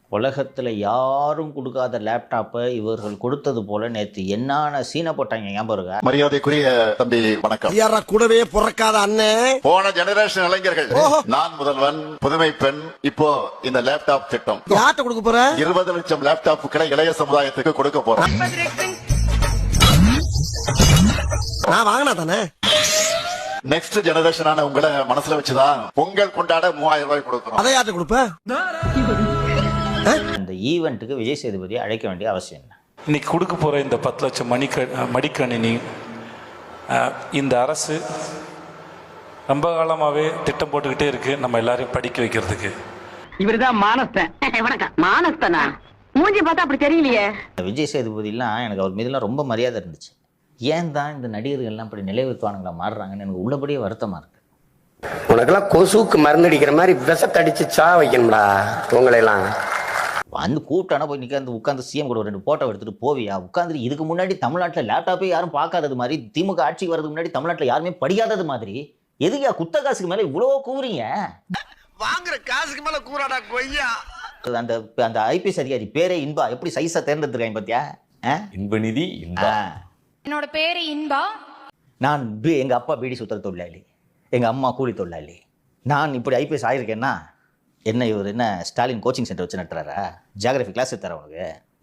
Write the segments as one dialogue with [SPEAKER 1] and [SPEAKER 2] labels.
[SPEAKER 1] உலகத்தில் யாரும் கொடுக்காத லேப்டாப்பை இவர்கள் கொடுத்தது போல நேற்று என்னான சீனை போட்டாங்க ஞாபகம் இருக்கா?
[SPEAKER 2] மரியாதைக்குரிய தம்பி வணக்கம்.
[SPEAKER 3] யாரா கூடவே பிறக்காத அண்ணன்.
[SPEAKER 2] போன ஜெனரேஷன் இளைஞர்கள் நான் முதல்வன் புதுமை பெண் இப்போ இந்த லேப்டாப் திட்டம்
[SPEAKER 3] யார்ட்ட கொடுக்க போற?
[SPEAKER 2] 20 லட்சம் லேப்டாப்புகளை இளைய சமுதாயத்துக்கு கொடுக்க போறோம்.
[SPEAKER 3] நான் வாங்கினா தானே.
[SPEAKER 2] நெக்ஸ்ட் ஜெனரேஷனான உங்களை மனசுல வச்சுதான் பொங்கல் கொண்டாட 3000 ரூபாய் கொடுக்கிறோம்.
[SPEAKER 3] அதை யார்ட்ட கொடுப்ப?
[SPEAKER 1] இந்த ஈவெண்ட்டுக்கு விஜய் சேதுபதியை அழைக்க வேண்டிய அவசியம் என்ன?
[SPEAKER 4] இன்னைக்கு கொடுக்க போகிற இந்த 10 லட்சம் மடிக்கணினி இந்த அரசு ரொம்ப காலமாகவே திட்டம் போட்டுக்கிட்டே இருக்கு நம்ம எல்லாரையும் படிக்க வைக்கிறதுக்கு.
[SPEAKER 5] இவருதான் மானஸ்தன். வணக்கம். மானஸ்தனா? மூஞ்சி பார்த்தா அப்படி தெரியலையே.
[SPEAKER 1] விஜய் சேதுபதிலாம் எனக்கு அவர் மீதுலாம் ரொம்ப மரியாதை இருந்துச்சு. ஏன் தான் இந்த நடிகர்கள்லாம் இப்படி நிலைவித்துவானுங்களா மாறுறாங்கன்னு எனக்கு உள்ளபடியே வருத்தமாக இருக்கு.
[SPEAKER 6] உனக்கெல்லாம் கொசுக்கு மருந்தடிக்கிற மாதிரி விஷத்தடிச்சு சா வைக்கணும்டா உங்களையெல்லாம்.
[SPEAKER 1] வந்து கூப்பிட்டானா போய் நிற்க உட்காந்து சிஎம் கூட 2 போட்டோ எடுத்துட்டு போவியா? உட்காந்து இதுக்கு முன்னாடி தமிழ்நாட்டில் லேப்டாப்பே யாரும் பார்க்காதது மாதிரி, திமுக ஆட்சிக்கு வரதுக்கு முன்னாடி தமிழ்நாட்டில் யாருமே படிக்காதது மாதிரி, எதுக்கா குத்த காசுக்கு மேலே இவ்வளோ கூவுறீங்க?
[SPEAKER 3] வாங்குற காசுக்கு மேல கூறாடா கொய்யா.
[SPEAKER 1] அந்த அந்த ஐபிஎஸ் அதிகாரி பேரே இன்பா எப்படி சைஸா தேர்ந்தெடுத்துருக்காங்க பார்த்தியா?
[SPEAKER 7] இன்பநிதி இன்பா.
[SPEAKER 8] என்னோட பேரு இன்பா.
[SPEAKER 1] நான் எங்க அப்பா பீடி சுத்தர தொழிலாளி, எங்க அம்மா கூலி தொழிலாளி. நான் இப்படி ஐபிஎஸ் ஆயிருக்கேன்னா என்ன இவர் என்ன ஸ்டாலின் கோச்சிங் சென்டர் வச்சு நட்டுறாரா? ஜியாகிரபி கிளாஸ் எடுத்தார உனக்கு?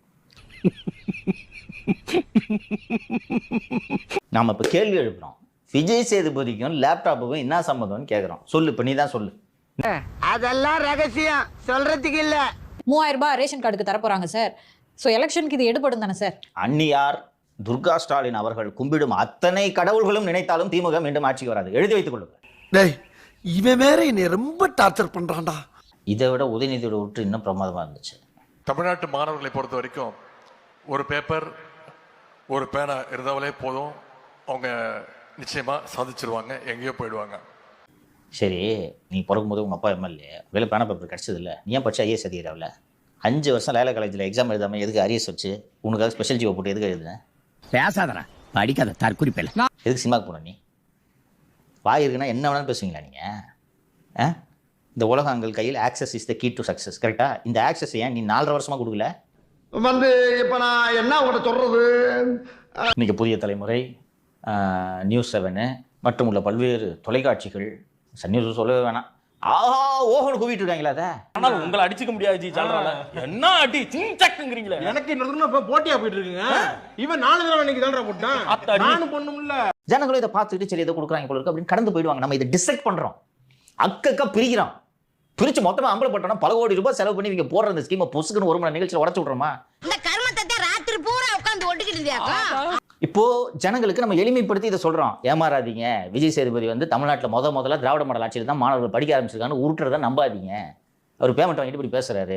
[SPEAKER 1] நாம இப்ப கேள்வி எழுப்புறோம், விஜய் சேதுபதிக்கும் லேப்டாப்புக்கும் என்ன சம்மதம்னு கேட்குறோம். சொல்லு, இப்போ நீ தான் சொல்லு.
[SPEAKER 5] அதெல்லாம் ரகசியம், சொல்றதுக்கு இல்ல.
[SPEAKER 8] 3000 ரூபாய் ரேஷன் கார்டுக்கு தர போறாங்க சார். ஸோ எலெக்ஷனுக்கு இது எடுபடும் தானே சார்?
[SPEAKER 1] அந்நியார் துர்கா ஸ்டாலின் அவர்கள் கும்பிடும் அத்தனை கடவுள்களும் நினைத்தாலும் திமுக மீண்டும் ஆட்சிக்கு வராது. எழுதி வைத்துக் கொள்ளுங்க.
[SPEAKER 3] டேய், இவன் வேற என்னை ரொம்ப டார்ச்சர் பண்றான்டா.
[SPEAKER 1] இதை விட உதயநிதியோட விட்டு இன்னும் பிரமாதமா இருந்துச்சு.
[SPEAKER 9] தமிழ்நாட்டு மாணவர்களை பொறுத்த வரைக்கும் ஒரு பேப்பர் ஒரு பேனா இருந்தாலே போதும், அவங்க நிச்சயமா சாதிச்சிருவாங்க, எங்கேயோ போயிடுவாங்க.
[SPEAKER 1] சரி, நீ பிறக்கும்போது உங்கள் அப்பா எம்எல்ஏ வேலை பேனா பேப்பர் கிடச்சது இல்லை, நீ ஏன் படிச்சு ஐஏஎஸ் அதிகாரில் 5 வருஷம் லைலா காலேஜில் எக்ஸாம் எழுதாமல் எதுக்கு அரியஸ் வச்சு உனக்காக ஸ்பெஷல் ஜீவோ போட்டு எதுக்கு எழுதுனேன்?
[SPEAKER 5] பேசாதடா, படிக்காத தற்குறிப்பில்லை.
[SPEAKER 1] எதுக்கு சினிமாவுக்கு போன? நீ வாய் இருக்குன்னா என்ன வேணாலும் பேசுவீங்களா நீங்கள்? இந்த உலகங்கள் கையில் access is the key to success, கரெக்டா? இந்த ஆக்சஸ் ஏன் நீ 4.5 வருஷமாக கொடுக்கல?
[SPEAKER 3] இப்ப நான் என்ன உங்கள்கிட்ட சொல்றது?
[SPEAKER 1] இன்னைக்கு புதிய தலைமுறை, நியூஸ் 7 மற்றும் உள்ள பல்வேறு தொலைக்காட்சிகள், சன் நியூஸ் சொல்லவே வேணாம், ஆஹா ஓஹோன்னு கூவிட்டு இருக்காங்களா? அதை
[SPEAKER 7] ஆனால் உங்களை அடிச்சுக்க முடியாது ஜி. என்ன அடி சிங்கிறீங்களே.
[SPEAKER 10] எனக்கு இன்னொரு போட்டியா போயிட்டு இருக்குங்க. இவன் 4 தடவை இன்னைக்கு தான்டா போட்டான். நானும் பொண்ணுமில்ல.
[SPEAKER 1] ஜனங்களும் இதை பார்த்துட்டு சரி இதை கொடுக்குறாங்க போல இருக்கு அப்படின்னு கடந்து போயிடுவாங்க. நம்ம இதை டிசைட் பண்றோம், அக்கா பிரிக்கிறோம். பிரிச்சு மொத்தமா அம்பலப்பட்டோம்னா பல கோடி ரூபாய் செலவு பண்ணி இவங்க போடுற இந்த ஸ்கீமை பொசுக்குன்னு 1 மணி நேரம் நிகழ்ச்சியில் உடச்சு விட்றோமா?
[SPEAKER 5] இந்த கர்மத்தை ராத்திரி பூரா உட்கார்ந்து ஒட்டிக்கிட்டு
[SPEAKER 1] இப்போ ஜனங்களுக்கு நம்ம எளிமைப்படுத்தி இதை சொல்றோம். ஏமாறாதீங்க, விஜய் சேதுபதி வந்து தமிழ்நாட்டில் முதல்ல திராவிட மாடல் ஆட்சியில் தான் மாணவர்கள் படிக்க ஆரம்பிச்சிருக்கான்னு உருட்டுறதை நம்பாதீங்க. அவர் பேமெண்ட் வாங்கிட்டு இப்படி பேசுறாரு.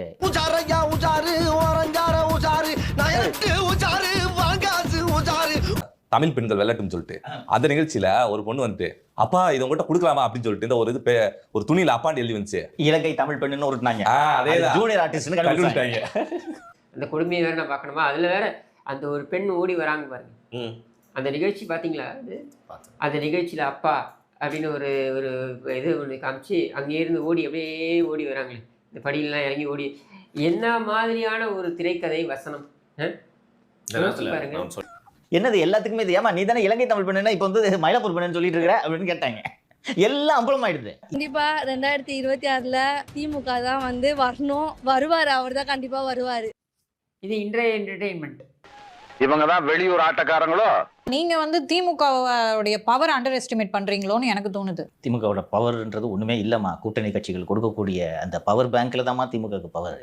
[SPEAKER 7] தமிழ் பெண்கள் வெள்ளட்டும் சொல்லிட்டு அந்த நிகழ்ச்சியில ஒரு பொண்ணு வந்துட்டு, அப்பா இதை உங்கள்கிட்ட கொடுக்கலாமா அப்படின்னு சொல்லிட்டு இந்த ஒரு துணியில அப்பான்னு எழுதி வந்துச்சு,
[SPEAKER 1] இலங்கை தமிழ் பெண்ணுன்னு உருட்டுனாங்க.
[SPEAKER 7] அதே
[SPEAKER 1] ஜூனியர் ஆர்டிஸ்ட்னு கண்டுபிடிச்சாங்க.
[SPEAKER 11] அந்த கொடுமையை வேற நான் பார்க்கணுமா? அதுல வேற அந்த ஒரு பெண் ஓடி வராங்க பாருங்க. அந்த நிகழ்ச்சி பாத்தீங்களா? அந்த நிகழ்ச்சியில அப்பா அப்படின்னு ஒரு ஒரு இது ஒன்று காமிச்சு அங்கே இருந்து அப்படியே ஓடி வராங்களே, இந்த படியெல்லாம் இறங்கி ஓடி. என்ன மாதிரியான ஒரு திரைக்கதை வசனம் பாருங்க.
[SPEAKER 1] என்னது எல்லாத்துக்குமே இது? ஏமா நீ தானே இலங்கை தமிழ் பெண்ணுன்னா இப்போ வந்து மயிலாப்பூர் பெண்ணுன்னு சொல்லிட்டு இருக்கிற அப்படின்னு கேட்டாங்க. எல்லாம் அம்பலம் ஆயிடுது.
[SPEAKER 8] கண்டிப்பா 2026ல திமுக தான் வந்து வரணும், வருவாரு. அவர் தான் கண்டிப்பா வருவாரு.
[SPEAKER 11] இது இன்றைய என்டர்டெயின்மெண்ட்.
[SPEAKER 2] இவங்க தான் வெளியூர் ஆட்டக்காரங்களோ?
[SPEAKER 8] நீங்க வந்து திமுகவுடைய பவர் அண்டர் எஸ்டிமேட் பண்றீங்களோன்னு எனக்கு தோணுது.
[SPEAKER 1] திமுகவோட பவர்ன்றது ஒண்ணுமே இல்லம்மா. கூட்டணி கட்சிகள் கொடுக்கக்கூடிய அந்த பவர் பேங்க்ல தான்மா திமுகவுக்கு பவர்.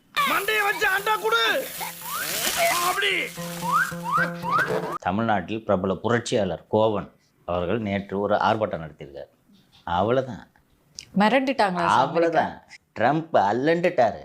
[SPEAKER 1] தமிழ்நாட்டில் பிரபல புரட்சியாளர் கோவன் அவர்கள் நேற்று ஒரு ஆர்ப்பாட்டம் நடத்தியிருக்காரு. அவ்வளவுதான்,
[SPEAKER 8] மிரட்டிட்டாங்க.
[SPEAKER 1] அவ்வளவுதான், ட்ரம்ப் அல்லண்டுட்டாரு.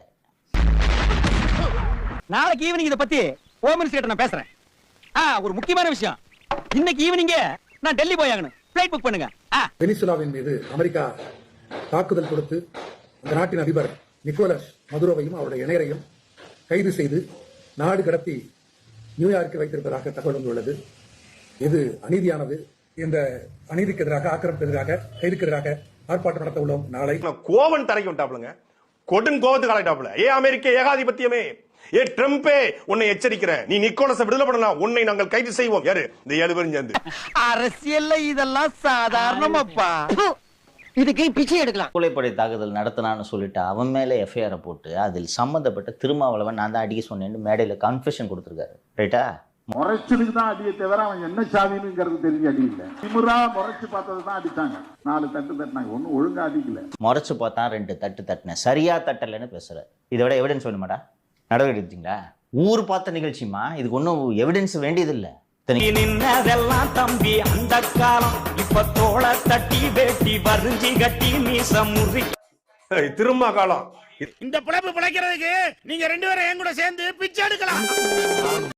[SPEAKER 5] நாளைக்கு ஈவினிங் இதை பத்தி ஹோம் மினிஸ்டர் நான் பேசுறேன். ஒரு முக்கியமான விஷயம், இன்னைக்கு ஈவினிங் நான் டெல்லி போய் ஆகணும். ஃளைட் புக் பண்ணுங்க.
[SPEAKER 12] வெனிசுலாவின் மீது அமெரிக்கா தாக்குதல் கொடுத்து அந்த நாட்டின் அதிபர் நிக்கோலஸ் மதுரோவையும் அவருடைய இணையரையும் கைது செய்து நாடு கடத்தி நியூயார்க்கில் வைத்திருப்பதாக தகவல் வந்துள்ளது. இது அநீதியானது. இந்த அநீதிக்கு எதிராக, ஆக்கிரமிப்புக்கு எதிராக, கைதுக்கு எதிராக ஆர்ப்பாட்டம் நடத்த உள்ளோம். நாளை
[SPEAKER 10] கோவன் தரைக்கு விட்டாப்லங்க. கொடும் கோபத்து காலட்டாப்ல அமெரிக்க ஏகாதிபத்தியமே ட்ரம்பே உன்னை எச்சரிக்கிறேன், நீ நிக்கோலஸை விடுதலை பண்ணலாம், உன்னை நாங்கள் கைது செய்வோம். யாரு இந்த 7 பேரும் சேர்ந்து.
[SPEAKER 5] அரசியல்ல இதெல்லாம் சாதாரணமாப்பா. இதுக்கு பிச்சை எடுக்கலாம்.
[SPEAKER 1] கூலைப்படை தாக்குதல் நடத்தினான்னு சொல்லிட்டு அவன் மேலே எஃப்ஐஆரை போட்டு அதில் சம்மந்தப்பட்ட திருமாவளவன் நான் தான் அடிக்க சொன்னேன்னு மேடையில் கன்ஃபெஷன் கொடுத்துருக்காரு. ரைட்டா?
[SPEAKER 12] முறைச்சலுக்கு தான் அடியை தவிர அவன் என்ன சாதினுங்கிறது தெரிஞ்சு அடிக்கல. திமுறா முறைச்சு பார்த்தது தான் அடித்தாங்க. 4 தட்டு தட்டினாங்க, ஒன்னும் ஒழுங்கா அடிக்கல.
[SPEAKER 1] முறைச்சு பார்த்தா 2 தட்டு தட்டினேன், சரியா தட்டலைன்னு பேசுற. இதை விட எவிடன்ஸ் வேணுமாடா? நடவடிக்கை எடுத்தீங்களா? ஊர் பார்த்த நிகழ்ச்சிமா, இதுக்கு ஒன்றும் எவிடன்ஸ் வேண்டியதில்லை.
[SPEAKER 5] நின்னதெல்லாம் தம்பி அந்த காலம், இப்ப தோள தட்டி வேட்டி வரிஞ்சி கட்டி மீச முறி
[SPEAKER 10] திரும்ப காலம்.
[SPEAKER 5] இந்த பிழைப்பு பிழைக்கிறதுக்கு நீங்க 2 பேரும் என் கூட சேர்ந்து பிச்சை எடுக்கலாம்.